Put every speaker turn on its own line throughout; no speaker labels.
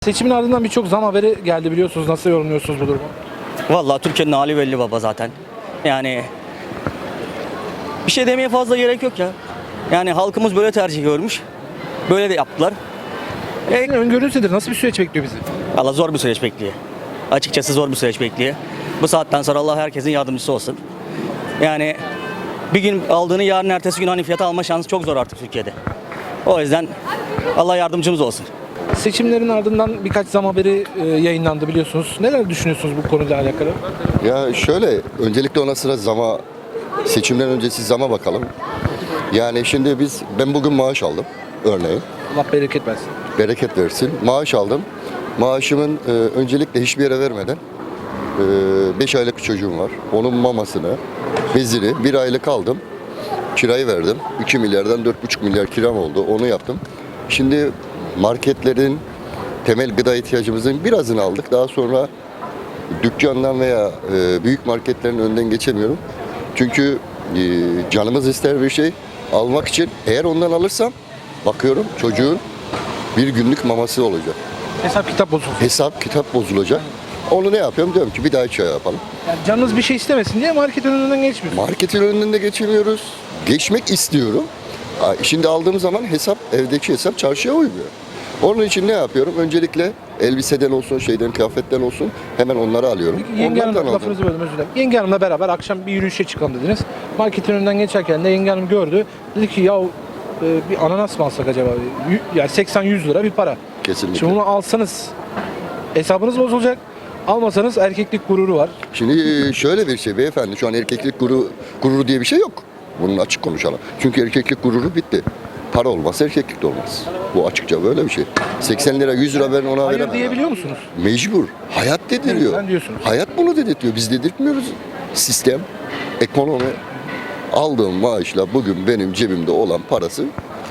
Seçimin ardından birçok zam haberi geldi biliyorsunuz. Nasıl yorumluyorsunuz bu durumu?
Vallahi Türkiye'nin hali belli baba zaten. Yani bir şey demeye fazla gerek yok ya. Yani halkımız böyle tercih görmüş. Böyle de yaptılar.
Sizin öngörünüz nedir? Nasıl bir süreç bekliyor bizi?
Allah zor bir süreç bekliyor. Açıkçası zor bir süreç bekliyor. Bu saatten sonra Allah herkesin yardımcısı olsun. Yani bir gün aldığını yarın ertesi gün hani fiyata alma şansı çok zor artık Türkiye'de. O yüzden Allah yardımcımız olsun.
Seçimlerin ardından birkaç zam haberi yayınlandı biliyorsunuz. Neler düşünüyorsunuz bu konuyla alakalı?
Ya şöyle, öncelikle ona sıra seçimden öncesi zama bakalım. Yani şimdi ben bugün maaş aldım örneğin.
Allah bereket versin.
Bereket versin. Maaş aldım. Maaşımın öncelikle hiçbir yere vermeden 5 aylık çocuğum var. Onun mamasını, bezini 1 aylık aldım. Kirayı verdim. 2 milyardan 4,5 milyar kiram oldu. Onu yaptım. Şimdi marketlerin temel gıda ihtiyacımızın birazını aldık. Daha sonra dükkandan veya büyük marketlerin önünden geçemiyorum. Çünkü canımız ister bir şey almak için. Eğer ondan alırsam bakıyorum çocuğun bir günlük maması olacak.
Hesap kitap bozulsun.
Hesap kitap bozulacak. Onu ne yapıyorum? Diyorum ki bir daha çay yapalım.
Yani canınız bir şey istemesin diye market önünden geçmiyorsunuz.
Marketin önünden de geçemiyoruz. Geçmek istiyorum. Şimdi aldığım zaman evdeki hesap çarşıya uymuyor. Onun için ne yapıyorum? Öncelikle elbiseden olsun, kıyafetten olsun hemen onları alıyorum.
Peki Yenge
Onlardan
Hanım, lafınızı böldüm, özür dilerim. Yenge Hanım'la beraber akşam bir yürüyüşe çıkalım dediniz. Marketin önünden geçerken de Yenge Hanım gördü. Dedi ki ya bir ananas mı alsak acaba? Yani 80-100 lira bir para.
Kesinlikle.
Şimdi bunu alsanız hesabınız bozulacak. Almasanız erkeklik gururu var.
Şimdi şöyle bir şey beyefendi, şu an erkeklik gururu diye bir şey yok. Bunun açık konuşalım. Çünkü erkeklik gururu bitti. Para olmazsa erkeklik de olmaz. Bu açıkça böyle bir şey. 80 lira 100 lira ben ona
Hayır
veremem.
diyebiliyor musunuz?
Mecbur. Hayat dediriyor.
Sen diyorsunuz.
Hayat bunu dedirtiyor. Biz dedirtmiyoruz. Sistem, ekonomi. Aldığım maaşla bugün benim cebimde olan parası.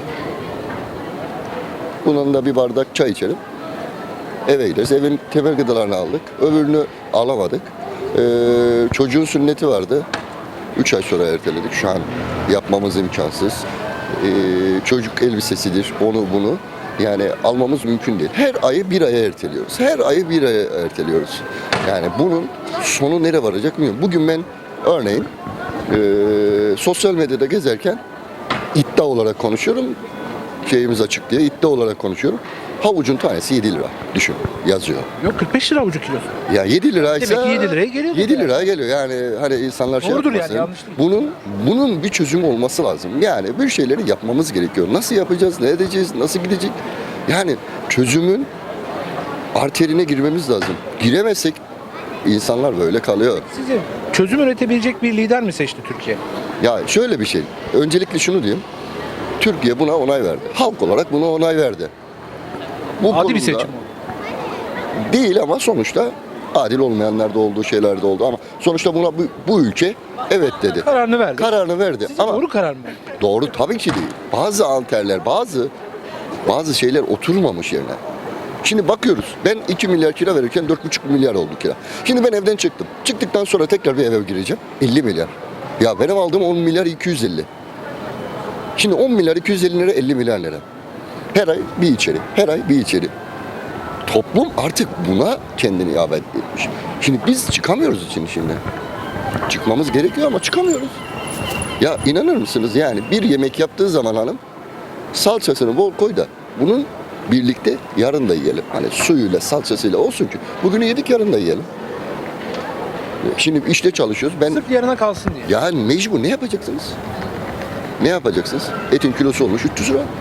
Bunun da bir bardak çay içelim. Eve gideriz. Evin temel gıdalarını aldık. Öbürünü alamadık. Çocuğun sünneti vardı. 3 ay sonra erteledik. Şu an yapmamız imkansız. Çocuk elbisesidir, onu bunu. Yani almamız mümkün değil. Her ayı bir aya erteliyoruz. Her ayı bir aya erteliyoruz. Yani bunun sonu nereye varacak bilmiyorum. Bugün ben örneğin sosyal medyada gezerken iddia olarak konuşuyorum. Şeyimiz açık diye iddia olarak konuşuyorum. Havucun tanesi 7 lira. Düşün. Yazıyor.
Yok 45 lira avucu kilosu.
Ya 7 liraysa
Demek ki 7 liraya geliyor.
7 liraya geliyor. Yani hani insanlar şey
Doğrudur
yapmasın.
yani, yanlış değil.
Bunun bir çözümü olması lazım. Yani bir şeyleri yapmamız gerekiyor. Nasıl yapacağız? Ne edeceğiz? Nasıl gidecek? Yani çözümün arterine girmemiz lazım. Giremezsek insanlar böyle kalıyor.
Sizi çözüm üretebilecek bir lider mi seçti Türkiye?
Ya şöyle bir şey. Öncelikle şunu diyeyim. Türkiye buna onay verdi. Halk olarak buna onay verdi. Bu
Adil bir
konuda-
seçim oldu.
Değil ama sonuçta adil olmayanlar da oldu, şeyler de oldu ama sonuçta buna bu ülke evet dedi.
Kararını verdi.
Kararını verdi.
Sizce
Ama
doğru karar mı?
doğru tabii ki değil. Bazı alterler, bazı şeyler oturmamış yerine. Şimdi bakıyoruz. Ben 2 milyar kira verirken 4,5 milyar oldu kira. Şimdi ben evden çıktım. Çıktıktan sonra tekrar bir eve gireceğim. 50 milyar. Ya benim aldığım 10 milyar 250. Şimdi 10 milyar 250 lira 50 milyar lira. Her ay bir içeri. Her ay bir içeri. Toplum artık buna kendini iade etmiş. Şimdi biz çıkamıyoruz için şimdi. Çıkmamız gerekiyor ama çıkamıyoruz. Ya inanır mısınız yani bir yemek yaptığı zaman hanım salçasını bol koy da bunun birlikte yarın da yiyelim. Hani suyuyla salçasıyla olsun ki bugünü yedik yarın da yiyelim. Şimdi işte çalışıyoruz. Ben
Sırf yarına kalsın diye.
ya mecbur ne yapacaksınız? Ne yapacaksınız? Etin kilosu olmuş 300 lira.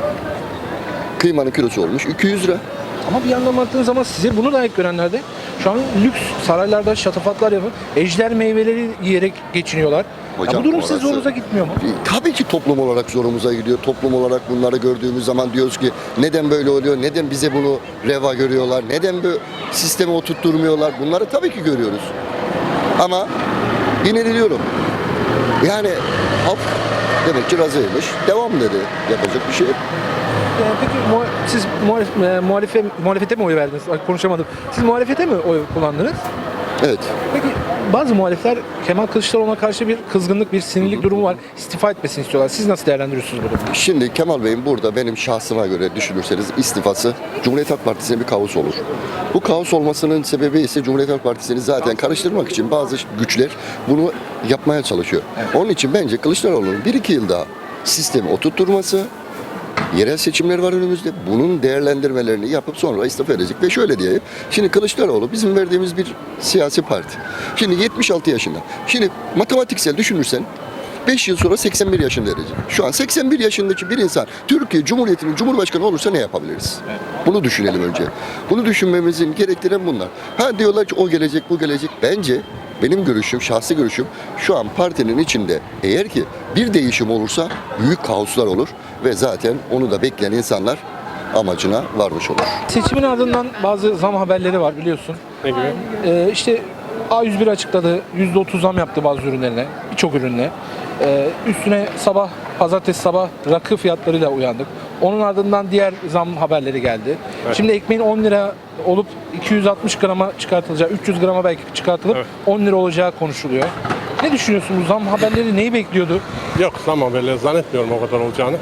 Kıymanın kilosu olmuş 200 lira.
Ama bir yandan baktığınız zaman size bunu layık görenler de şu an lüks saraylarda şatafatlar yapıp ejder meyveleri yiyerek geçiniyorlar.
Hocam,
ya bu durum
orası-
size zorunuza gitmiyor mu?
Tabii ki toplum olarak zorumuza gidiyor. Toplum olarak bunları gördüğümüz zaman diyoruz ki neden böyle oluyor? Neden bize bunu reva görüyorlar? Neden bu sisteme oturtturmuyorlar? Bunları tabii ki görüyoruz. Ama yine de diyorum. Yani halk demek ki razıymış. Devam dedi. Yapacak bir şey yok.
Peki siz muhalefete mi oy verdiniz? Ay, konuşamadım. Siz muhalefete mi oy kullandınız?
Evet.
Peki bazı muhalifler Kemal Kılıçdaroğlu'na karşı bir kızgınlık, bir sinirlik durumu var. İstifa etmesini istiyorlar. Siz nasıl değerlendiriyorsunuz bu durumu?
Şimdi Kemal Bey'in burada benim şahsıma göre düşünürseniz istifası Cumhuriyet Halk Partisi'ne bir kaos olur. Bu kaos olmasının sebebi ise Cumhuriyet Halk Partisi'ni zaten karıştırmak için bazı güçler bunu yapmaya çalışıyor. Onun için bence Kılıçdaroğlu'nun 1-2 yıl daha sistemi oturtturması, yerel seçimler var önümüzde. Bunun değerlendirmelerini yapıp sonra istifa edecek. Ve şöyle diyeyim. Şimdi Kılıçdaroğlu bizim verdiğimiz bir siyasi parti. Şimdi 76 yaşında. Şimdi matematiksel düşünürsen 5 yıl sonra 81 yaşında verecek. Şu an 81 yaşındaki bir insan Türkiye Cumhuriyeti'nin Cumhurbaşkanı olursa ne yapabiliriz? Bunu düşünelim önce. Bunu düşünmemizin gerektiren bunlar. Ha diyorlar ki o gelecek, bu gelecek. Bence benim görüşüm, şahsi görüşüm şu an partinin içinde eğer ki bir değişim olursa büyük kaoslar olur ve zaten onu da bekleyen insanlar amacına varmış olur.
Seçimin ardından bazı zam haberleri var biliyorsun.
Ne gibi?
İşte A101 açıkladı. %30 zam yaptı bazı ürünlerine. Birçok ürününe. Üstüne pazartesi sabah rakı fiyatlarıyla uyandık. Onun ardından diğer zam haberleri geldi.
Evet.
Şimdi ekmeğin 10 lira olup 260 grama çıkartılacağı, 300 grama belki çıkartılıp
Evet.
10 lira olacağı konuşuluyor. Ne düşünüyorsun bu zam haberleri neyi bekliyordu?
Yok, zam haberleri zannetmiyorum o kadar olacağını.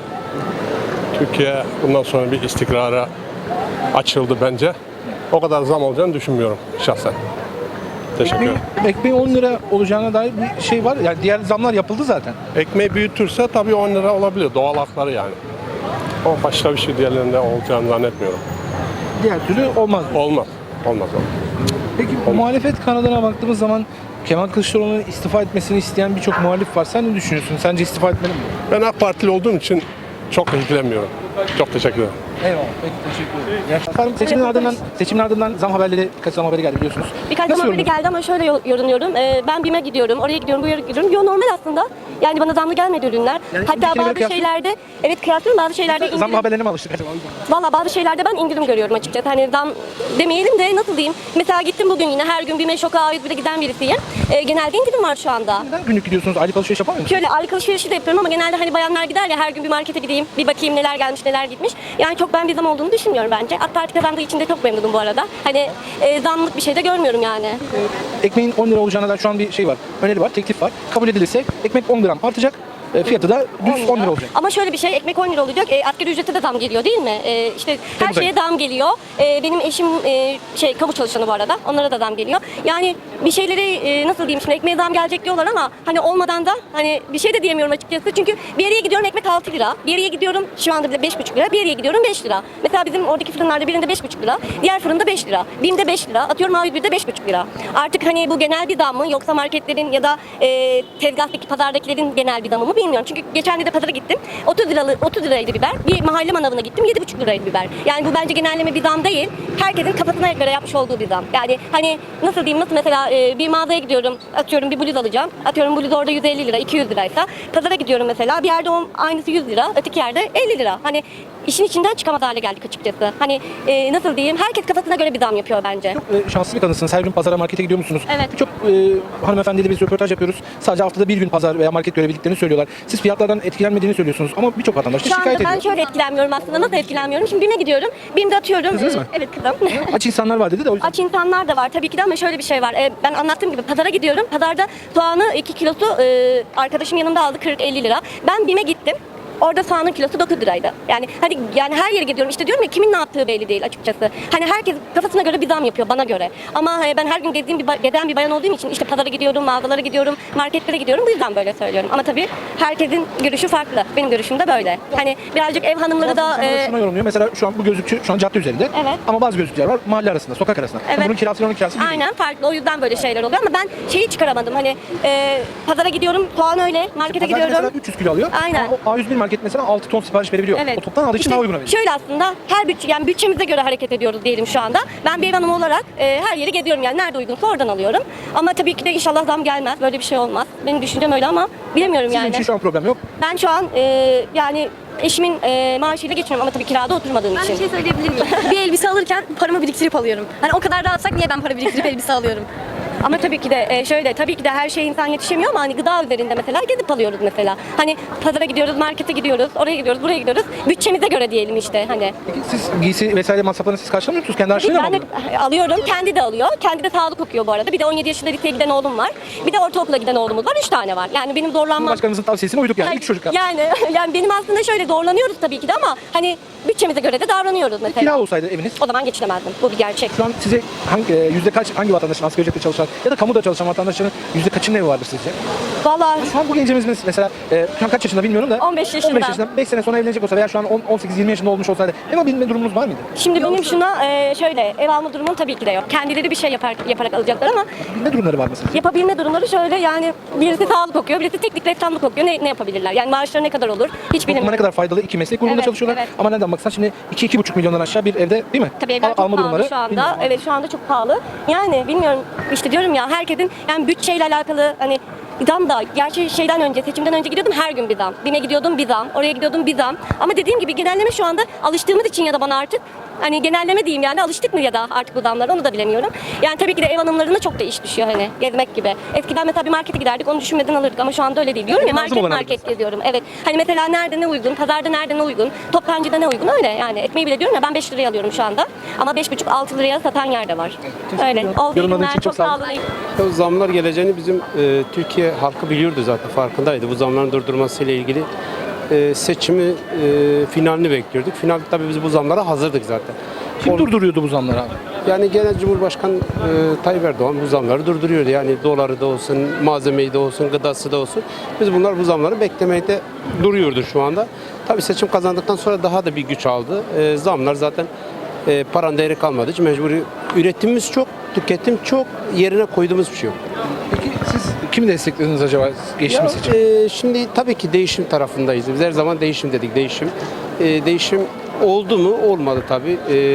Türkiye bundan sonra bir istikrara açıldı bence. O kadar zam olacağını düşünmüyorum şahsen. Teşekkür ederim.
Ekmeğin 10 lira olacağına dair bir şey var. Yani diğer zamlar yapıldı zaten.
Ekmeği büyütürse tabii 10 lira olabilir. Doğal hakları yani. O başka bir şey diğerlerinde olacağını zannetmiyorum.
Diğer türlü olmaz.
Olmaz. Olmaz.
Peki muhalefet kanadına baktığımız zaman Kemal Kılıçdaroğlu'nun istifa etmesini isteyen birçok muhalif var. Sen ne düşünüyorsun? Sence istifa etmeli mi?
Ben AK Partili olduğum için çok ilgilenmiyorum. Çok teşekkür ederim.
Eyvallah. Peki teşekkür ederim. Efendim seçimin ardından zam haberleri, birkaç zam haberi geldi biliyorsunuz.
Birkaç
Nasıl
zam haberi
yorumluyorsunuz?
geldi ama şöyle yorumluyorum. Ben BİM'e gidiyorum, oraya gidiyorum, buraya gidiyorum. Yo normal aslında. Yani bana zamlı gelmedi ürünler.
Yani
Hatta
ülkeyle
bazı
kıyaslı-
şeylerde, evet kıyaslıyorum, bazı şeylerde
Zam
indirim.
haberlerine mi alıştık acaba?
Valla bazı şeylerde ben indirim görüyorum açıkçası. Hani zam demeyelim de nasıl diyeyim. Mesela gittim bugün yine her gün BİM'e Şok'a A101'e giden birisiyim. Genelde indirim var şu anda.
Neden günlük gidiyorsunuz? Aylık alışveriş yapar mısınız?
Şöyle aylık alışverişi de yapıyorum ama genelde hani bayanlar gider ya her gün bir markete gideyim, bir bakayım neler gelmiş neler gitmiş. Yani çok ben bir zam olduğunu düşünmüyorum bence. AK Parti kazandığı için de çok memnunum bu arada. Hani zamlık bir şey de görmüyorum yani.
Ekmeğin 10 lira olacağına dair şu an bir şey var. Öneri var, teklif var. Kabul edilirse ekmek 10 gram artacak. Fiyatı da düz 10 lira olacak.
Ama şöyle bir şey, ekmek 10 lira olacak. Asgari ücrete de zam geliyor değil mi? İşte her
Tabii.
şeye zam geliyor. Benim eşim kamu çalışanı bu arada. Onlara da zam geliyor. Yani bir şeyleri nasıl diyeyim şimdi ekmeğe zam gelecek diyorlar ama hani olmadan da hani bir şey de diyemiyorum açıkçası. Çünkü bir yere gidiyorum ekmek 6 lira. Bir yere gidiyorum şu anda bile 5,5 lira. Bir yere gidiyorum 5 lira. Mesela bizim oradaki fırınlarda birinde 5,5 lira. Diğer fırında 5 lira. BİM'de 5 lira. Atıyorum A101'de 5,5 lira. Artık hani bu genel bir zam mı yoksa marketlerin ya da tezgahtaki pazardakilerin genel bir zamı mı bilmiyorum. Çünkü geçen de pazara gittim. 30 liraydı biber. Bir mahalle manavına gittim. 7,5 liraydı biber. Yani bu bence genelleme bir zam değil. Herkesin kafasına göre yapmış olduğu bir zam. Yani hani nasıl diyeyim nasıl mesela bir mağazaya gidiyorum. Atıyorum bir bluz alacağım. Atıyorum bluz orada 150 lira, 200 liraysa. Pazara gidiyorum mesela. Bir yerde aynısı 100 lira. Öteki yerde 50 lira. Hani işin içinden çıkamaz hale geldik açıkçası. Hani nasıl diyeyim herkes kafasına göre bir zam yapıyor bence.
Şanslı bir kadınsınız. Her gün pazara, markete gidiyor musunuz?
Evet.
Birçok hanımefendiyle biz röportaj yapıyoruz. Sadece haftada bir gün pazar veya market görebildiklerini söylüyorlar. Siz fiyatlardan etkilenmediğini söylüyorsunuz ama birçok vatandaş da
Şu anda
şikayet
ben
ediyor.
şöyle etkilenmiyorum aslında. Nasıl etkilenmiyorum? Şimdi BİM'e gidiyorum. BİM'de atıyorum.
Kızınız mı?
Evet kızım.
Aç insanlar var dedi de o yüzden.
Aç insanlar da var tabii ki de ama şöyle bir şey var. Ben anlattığım gibi pazara gidiyorum. Pazarda soğanı 2 kilosu arkadaşım yanımda aldı 40-50 lira. Ben BİM'e gittim. Orada soğanın kilosu 9 liraydı. Yani her yere gidiyorum. İşte diyorum ya kimin ne yaptığı belli değil açıkçası. Hani herkes kafasına göre bir zam yapıyor bana göre. Ama ben her gün gezen bir bayan olduğum için işte pazara gidiyorum, mağazalara gidiyorum, marketlere gidiyorum. Bu yüzden böyle söylüyorum. Ama tabii herkesin görüşü farklı. Benim görüşüm de böyle. Hani birazcık ev hanımları da
İnsanlar şuna yorumluyor. Mesela şu an bu gözlükçü şu an cadde üzerinde.
Evet.
Ama bazı gözlükler var mahalle arasında, sokak arasında.
Evet.
Bunun kirası onun kirası bir değil.
aynen farklı. O yüzden böyle şeyler oluyor ama ben şeyi çıkaramadım. Hani pazara gidiyorum, soğan öyle, markete
Pazarcı
gidiyorum.
mesela 300 kilo alıyor.
Aynen.
Ama o A101 market mesela 6 ton sipariş verebiliyor.
Evet.
O toptan aldığı için
İşte
daha uyguna veriyor.
şöyle aslında her yani bütçemize göre hareket ediyoruz diyelim şu anda. Ben bir ev hanımı olarak her yere gidiyorum yani nerede uygunsa oradan alıyorum. Ama tabii ki de inşallah zam gelmez. Böyle bir şey olmaz. Benim düşüncem öyle ama bilemiyorum
Sizin
yani.
için şu an problem yok.
Ben şu an yani eşimin maaşıyla geçiniyorum ama tabii kirada oturmadığım
Ben
için.
bir şey söyleyebilir miyim? Bir elbise alırken paramı biriktirip alıyorum. Hani o kadar rahatsak niye ben para biriktirip elbise alıyorum?
Ama tabii ki de tabii ki de her şeye insan yetişemiyor ama hani gıda üzerinde mesela gezip alıyoruz mesela. Hani pazara gidiyoruz, markete gidiyoruz, oraya gidiyoruz, buraya gidiyoruz. Bütçemize göre diyelim işte hani.
Peki siz giysi vesaire masraflarını siz karşılamıyor musunuz? Kendi harçlığıyla mı
Ben de
alıyorsunuz?
alıyorum, kendi de alıyor. Kendi de sağlık okuyor bu arada. Bir de 17 yaşında liseye giden oğlum var. Bir de ortaokula giden oğlumuz var. 3 tane var. Yani benim zorlanmam.
Cumhurbaşkanımızın tavsiyesine uyduk yani. 3 çocuk yaptık.
Yani benim aslında şöyle zorlanıyoruz tabii ki de ama hani bütçemize göre de davranıyoruz mesela.
Kira olsaydı eviniz,
O zaman geçinemezdim. Bu bir gerçek.
şu an size hangi vatandaşın, asgari ücretle çalışan ya da kamuda çalışan vatandaşların yüzde kaçının evi vardır sizce?
Vallahi
Şu an bu gencimiz mesela şu an kaç yaşında bilmiyorum da
15 yaşında.
15 yaşında 5 sene sonra evlenecek olsa veya şu an 18-20 yaşında olmuş olsaydı ev alabilme durumunuz var mıydı?
şimdi benim şuna şöyle ev alma durumum tabii ki de yok. Kendileri bir şey yaparak alacaklar ama
Bilme durumları var mı sizce?
yapabilme durumları şöyle yani birisi sağlık okuyor, birisi teknik ressamlık okuyor. Ne yapabilirler? Yani maaşları ne kadar olur? Hiç
Topluma
bilmiyorum.
ne kadar faydalı iki meslek grubunda
Evet,
çalışıyorlar.
evet.
Ama nereden baksan şimdi 2-2,5 milyondan aşağı bir evde değil mi?
Tabii evler çok
Alma
pahalı
durumları
şu anda.
bilmiyorum.
Evet şu anda çok pahalı. Yani bilmiyorum işte diyorum ya herkesin yani bütçeyle alakalı hani zam da gerçi seçimden önce gidiyordum her gün bir zam. BİM'e gidiyordum bir zam, oraya gidiyordum bir zam. Ama dediğim gibi genelleme şu anda alıştığımız için ya da bana artık hani genelleme diyeyim yani alıştık mı ya da artık bu zamlara onu da bilemiyorum. Yani tabii ki de ev hanımlarına çok da iş düşüyor hani gezmek gibi. Eskiden mesela bir markete giderdik onu düşünmeden alırdık ama şu anda öyle değil. Diyorum ya
Lazım olan
market geziyorum. Evet. Hani mesela nerede ne uygun, pazarda nerede ne uygun, toptancıda ne uygun öyle yani. Ekmeği bile diyorum ya ben 5 liraya alıyorum şu anda. Ama 5,5-6 liraya satan yer de var. Öyle. Oldu
Yorumladığın
günler
için çok
çok
sağ
sağ
olun.
olun.
O zamlar geleceğini bizim Türkiye halkı biliyordu zaten, farkındaydı. Bu zamların durdurmasıyla ilgili seçimi finalini bekliyorduk. Finalde tabii biz bu zamlara hazırdık zaten.
Kim durduruyordu bu zamları abi?
Yani genel Cumhurbaşkanı Tayyip Erdoğan bu zamları durduruyordu. Yani doları da olsun, malzemeyi de olsun, gıdası da olsun. Biz bu zamları beklemekte duruyordu şu anda. Tabii seçim kazandıktan sonra daha da bir güç aldı. Zamlar zaten paranın değeri kalmadığı için mecburi üretimimiz çok, tüketim çok, yerine koyduğumuz bir şey yok.
Peki siz kimi desteklediniz acaba geçtiğimiz
Ya,
seçim?
şimdi tabii ki değişim tarafındayız. Biz her zaman değişim dedik, değişim. Değişim oldu mu? Olmadı tabii.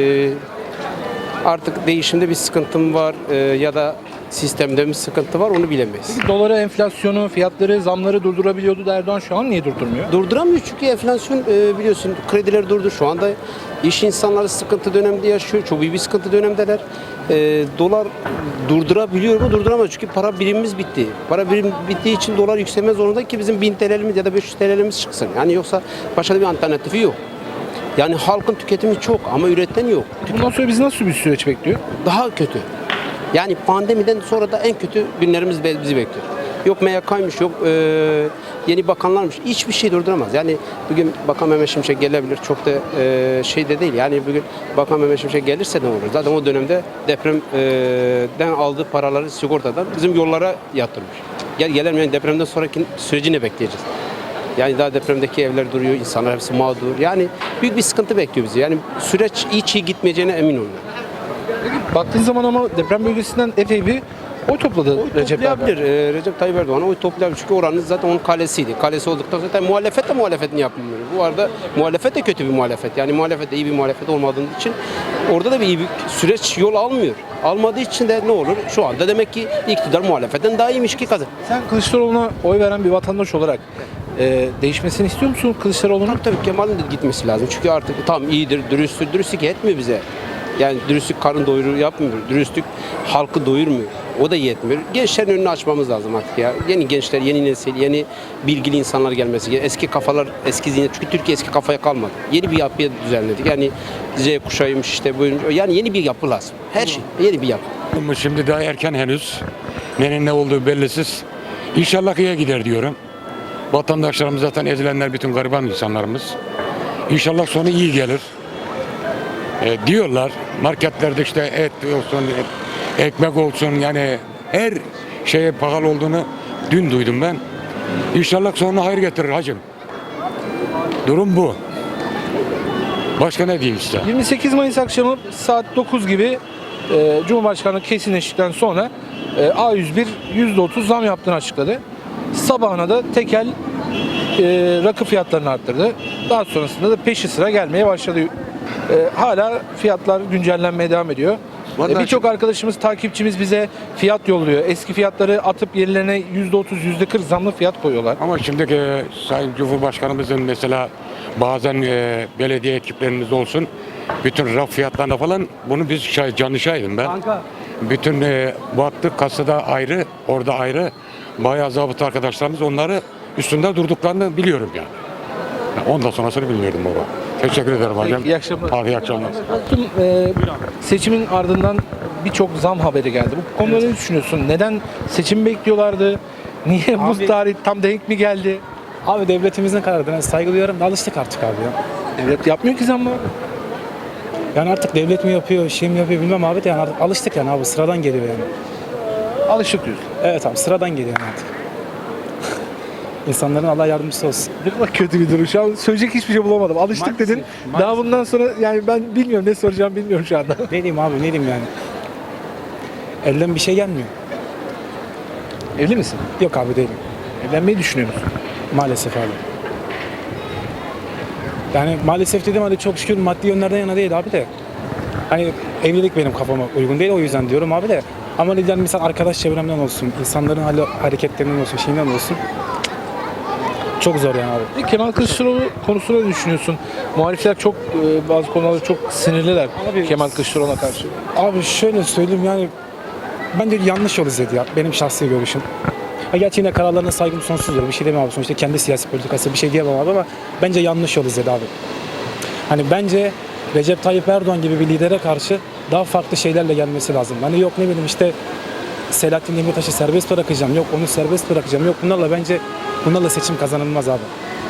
Artık değişimde bir sıkıntım var ya da sistemde bir sıkıntı var, onu bilemeyiz.
Doları, enflasyonu, fiyatları, zamları durdurabiliyordu da Erdoğan şu an niye durdurmuyor?
Durduramıyor çünkü enflasyon biliyorsun krediler durdu. Şu anda iş insanları sıkıntı dönemde yaşıyor. Çok iyi bir sıkıntı dönemdeler. Dolar durdurabiliyor mu? Durduramaz çünkü para birimimiz bitti. Para birim bittiği için dolar yükselme zorunda ki bizim 1000 TL'miz ya da 500 TL'miz çıksın. Yani yoksa başka bir alternatifi yok. Yani halkın tüketimi çok ama üreten yok.
Bundan sonra bizi nasıl bir süreç bekliyor?
Daha kötü. Yani pandemiden sonra da en kötü günlerimiz bizi bekliyor. Yok MYK'ymış, yok yeni bakanlarmış. Hiçbir şey durduramaz. Yani bugün Bakan Mehmet Şimşek gelebilir. Çok da şey de değil. Yani bugün Bakan Mehmet Şimşek gelirse ne olur? Zaten o dönemde depremden aldığı paraları sigortadan bizim yollara yatırmış. Gelmeyen depremden sonraki süreci ne bekleyeceğiz? Yani daha depremdeki evler duruyor, insanlar hepsi mağdur. Yani büyük bir sıkıntı bekliyor bizi. Yani süreç hiç iyi gitmeyeceğine emin olmuyorum.
Baktığın zaman ama deprem bölgesinden epey bir oy topladı Recep Tayyip Erdoğan.
Toplayabilir. Recep Tayyip Erdoğan oy toplayabilir. Çünkü oranın zaten onun kalesiydi. Kalesi olduktan sonra zaten muhalefet de muhalefetini yapmıyor. Bu arada muhalefet de kötü bir muhalefet. Yani muhalefet de iyi bir muhalefet olmadığı için orada da bir iyi bir süreç yol almıyor. Almadığı için de ne olur? Şu anda demek ki iktidar muhalefetten daha iyiymiş ki kazan.
Sen Kılıçdaroğlu'na oy veren bir vatandaş olarak değişmesini istiyor musun Kılıçdaroğlu'nun?
Tabii Kemal'in de gitmesi lazım. Çünkü artık tam iyidir, dürüsttür. Dürüstlük etmiyor bize. Yani dürüstlük karın doyuru yapmıyor. Dürüstlük halkı doyurmuyor. O da yetmiyor. Gençlerin önünü açmamız lazım artık ya. Yeni gençler, yeni nesil, yeni bilgili insanlar gelmesi gerekiyor. Eski kafalar, eski zihniyet. Çünkü Türkiye eski kafaya kalmadı. Yeni bir yapıya düzenledik. Yani Z kuşağıymış işte buyurun. Yani yeni bir yapı lazım. Her şey yeni bir yapı.
Ama şimdi daha erken henüz. Nenin ne olduğu bellisiz. İnşallah iyiye gider diyorum. Vatandaşlarımız zaten ezilenler bütün gariban insanlarımız. İnşallah sonu iyi gelir. Diyorlar marketlerde işte et olsun, ekmek olsun yani her şeye pahalı olduğunu dün duydum ben. İnşallah sonuna hayır getirir hacım. Durum bu. Başka ne diyeyim size?
28 Mayıs akşamı saat 9 gibi Cumhurbaşkanı kesinleştikten sonra A101 %30 zam yaptığını açıkladı. Sabahına da tekel rakı fiyatlarını arttırdı. Daha sonrasında da peşi sıra gelmeye başladı. Hala fiyatlar güncellenmeye devam ediyor. Birçok arkadaşımız, takipçimiz bize fiyat yolluyor. Eski fiyatları atıp yerlerine %30, %40 zamlı fiyat koyuyorlar.
Ama şimdiki Sayın Cumhurbaşkanımızın mesela bazen belediye ekiplerimiz olsun bütün raf fiyatlarına falan bunu biz canlı şahidim ben. bütün baktık kasada ayrı, orada ayrı. Bayağı zabıta arkadaşlarımız onları üstünde durduklarını biliyorum yani. Ondan sonrasını bilmiyordum baba. Teşekkür ederim hocam.
İyi akşamlar.
Hadi iyi akşamlar.
Tüm, seçimin ardından birçok zam haberi geldi. Bu konuda ne düşünüyorsun? Neden seçim bekliyorlardı? Niye bu tarih tam denk mi geldi?
Abi devletimizin kararına saygı duyuyorum da alıştık artık abi ya.
Devlet yapmıyor ki zammı.
Yani artık devlet mi yapıyor, şey mi yapıyor bilmem abi de yani artık alıştık yani abi sıradan geliyor yani.
Alışık diyorsun.
Evet abi sıradan geliyor yani artık. İnsanların Allah yardımcısı olsun.
Ne kadar kötü bir durum. Şu an söyleyecek hiçbir şey bulamadım. Alıştık
Maalesef,
dedin.
maalesef.
Daha bundan sonra yani ben bilmiyorum ne soracağım bilmiyorum şu anda.
Ne diyeyim abi ne diyeyim yani. Elden bir şey gelmiyor.
Evli misin?
Yok abi değilim.
Evlenmeyi düşünüyor musun?
Maalesef abi. Yani maalesef dedim hadi çok şükür maddi yönlerden yana değil abi de. Hani evlilik benim kafama uygun değil o yüzden diyorum abi de. Ama yani mesela arkadaş çevremden olsun, insanların hareketlerinden olsun, şeyinden olsun. Çok zor yani abi.
Peki Kemal Kılıçdaroğlu konusunda ne düşünüyorsun? Muhalifler çok bazı konularda çok sinirliler
Abi-
Kemal Kılıçdaroğlu'na karşı.
Abi şöyle söyleyeyim yani bence yanlış yol izledi ya benim şahsi görüşüm. Ha gerçi yine kararlarına saygım sonsuzdur. Bir şey demem abi. Sonuçta kendi siyasi politikası bir şey diyemem abi ama bence yanlış yol izledi abi. Hani bence Recep Tayyip Erdoğan gibi bir lidere karşı daha farklı şeylerle gelmesi lazım. Hani yok ne bileyim işte Selahattin Demirtaş'ı serbest bırakacağım. Yok onu serbest bırakacağım. Yok bunlarla seçim kazanılmaz abi.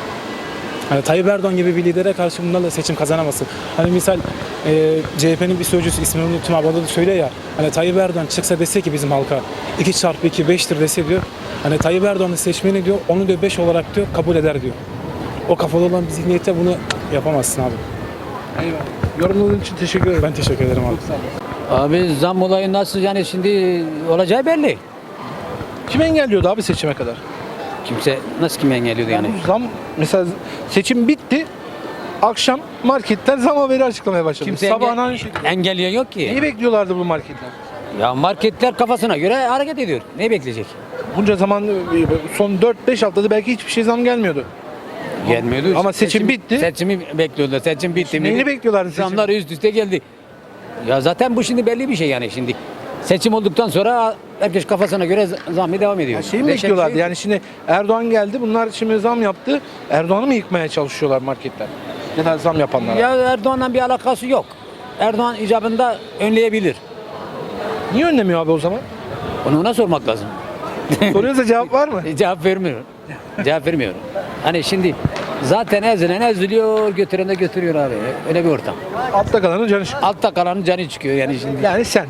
Hani Tayyip Erdoğan gibi bir lidere karşı bunlarla seçim kazanamazsın. Hani misal CHP'nin bir sözcüsü ismini unuttum abi o da söylüyor ya. Hani Tayyip Erdoğan çıksa dese ki bizim halka 2x2 5'tir dese diyor. Hani Tayyip Erdoğan'ın seçmeni diyor onu diyor 5 olarak diyor kabul eder diyor. O kafalı olan bir zihniyete bunu yapamazsın abi.
Eyvallah. Yorumladığın için teşekkür ederim.
Ben teşekkür ederim abi.
Abi zam olayı nasıl yani şimdi olacağı belli.
Kim engelliyordu abi seçime kadar?
Kimse nasıl kim engelliyordu yani?
Bu zam mesela seçim bitti. Akşam marketler zam haberi açıklamaya başladı.
Kimse
Sabahın aynı şekilde.
engelleyen yok ki.
Neyi bekliyorlardı bu marketler?
Ya marketler kafasına göre hareket ediyor. Ne bekleyecek?
Bunca zaman son 4-5 haftada belki hiçbir şey zam gelmiyordu.
Gelmiyordu.
Ama seçim bitti.
Seçimi bekliyordu. Seçim bitti mi?
Neyini bekliyorlardı seçim?
Zamlar üst üste geldi. Ya zaten bu şimdi belli bir şey yani şimdi. Seçim olduktan sonra herkes kafasına göre zammı devam ediyor.
Şeyi mi
Değişen bir
bekliyorlardı?
şey yok.
Yani şimdi Erdoğan geldi. Bunlar şimdi zam yaptı. Erdoğan'ı mı yıkmaya çalışıyorlar marketler? Ya da zam yapanlar.
Ya Erdoğan'la bir alakası yok. Erdoğan icabında önleyebilir.
Niye önlemiyor abi o zaman?
Onu ona sormak lazım.
Soruyorsa cevap var mı?
Cevap vermiyor. Cevap vermiyor. Hani şimdi zaten ezilen eziliyor, götüren de götürüyor abi. Öyle bir ortam.
Altta kalanın canı çıkıyor.
Altta kalanın canı çıkıyor yani şimdi.
Yani sen.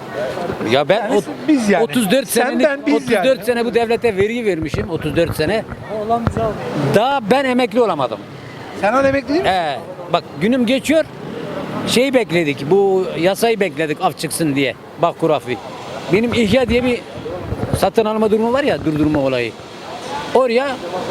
Ya ben
Yani biz yani.
34
Sen,
senelik
ben, biz
34
yani.
sene bu devlete vergi vermişim 34 sene. Daha ben emekli olamadım.
Sen hala emekli değil misin?
Bak günüm geçiyor. Şeyi bekledik. Bu yasayı bekledik af çıksın diye. Bak kurafi. Benim ihya diye bir satın alma durumu var ya durdurma olayı. Oraya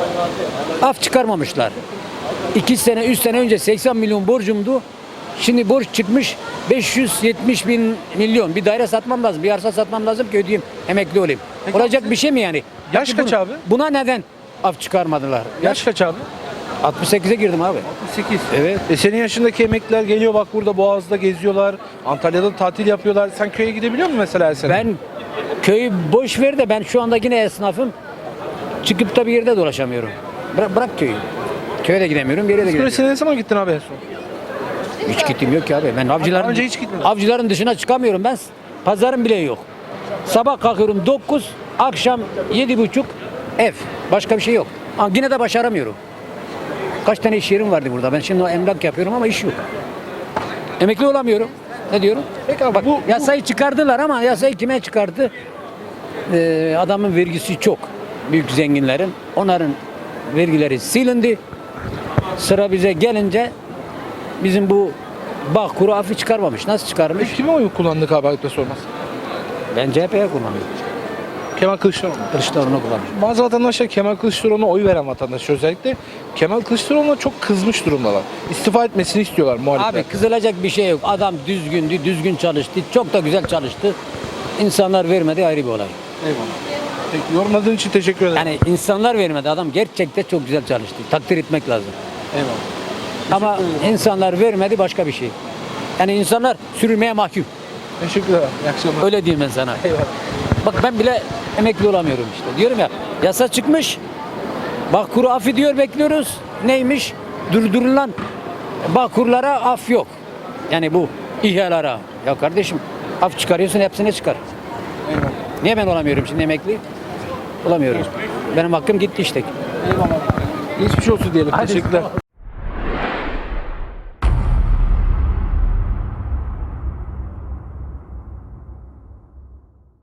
af çıkarmamışlar. 2 sene 3 sene önce 80 milyon borcumdu. Şimdi borç çıkmış 570 bin milyon. Bir daire satmam lazım. Bir arsa satmam lazım ki ödeyeyim. Emekli olayım. Olacak bir şey mi yani?
Yaş
Peki
kaç abi?
Buna neden af çıkarmadılar?
Yaş kaç abi?
68'e girdim abi.
8.
Evet.
Senin yaşındaki emekliler geliyor bak burada Boğaz'da geziyorlar. Antalya'da tatil yapıyorlar. Sen köye gidebiliyor musun mesela her sene?
Ben köyü boş ver de ben şu anda yine esnafım. Çıkıp da bir yerde dolaşamıyorum. Bırak köyü. Köye de gidemiyorum, bir yere de
Böyle
gidemiyorum.
sen ne zaman gittin abi en son?
Hiç gittim yok ki abi. Ben avcıların,
önce hiç gitmedin.
avcıların dışına çıkamıyorum. Ben pazarım bile yok. Sabah kalkıyorum 9, akşam 7.30 ev. Başka bir şey yok. Ama yine de başaramıyorum. Kaç tane iş yerim vardı burada. Ben şimdi emlak yapıyorum ama iş yok. Emekli olamıyorum. Ne diyorum?
Peki abi
Bak
bu
yasayı çıkardılar ama yasayı kime çıkardı? Adamın vergisi çok. Büyük zenginlerin. Onların vergileri silindi. Sıra bize gelince bizim bu Bağkur'u affı çıkarmamış. Nasıl çıkarmış?
kime oy kullandık abi ayıpla sormaz.
Ben CHP'ye kullanıyorum.
Kemal Kılıçdaroğlu.
Kılıçdaroğlu'na kullanıyorum.
Bazı vatandaşlar Kemal Kılıçdaroğlu'na oy veren vatandaş özellikle Kemal Kılıçdaroğlu'na çok kızmış durumdalar. İstifa etmesini istiyorlar muhalifler.
Abi kızılacak bir şey yok. Adam düzgündü, düzgün çalıştı. Çok da güzel çalıştı. İnsanlar vermedi ayrı bir olay.
Eyvallah. Peki yorumladığın için teşekkür ederim.
Yani insanlar vermedi. Adam gerçekten çok güzel çalıştı. Takdir etmek lazım.
Eyvallah.
Ama insanlar vermedi başka bir şey. Yani insanlar sürülmeye mahkum.
Teşekkürler. İyi akşamlar.
Öyle diyeyim ben sana.
Eyvallah.
Bak ben bile emekli olamıyorum işte. Diyorum ya yasa çıkmış. Bağkur affı diyor bekliyoruz. Neymiş? Durdurulan bağkurlara af yok. Yani bu İHA'lara. Ya kardeşim af çıkarıyorsun hepsine çıkar.
Eyvallah.
Niye ben olamıyorum şimdi emekli? Olamıyorum. Benim hakkım gitti işte.
Eyvallah. Geçmiş olsun diyelim. Teşekkürler.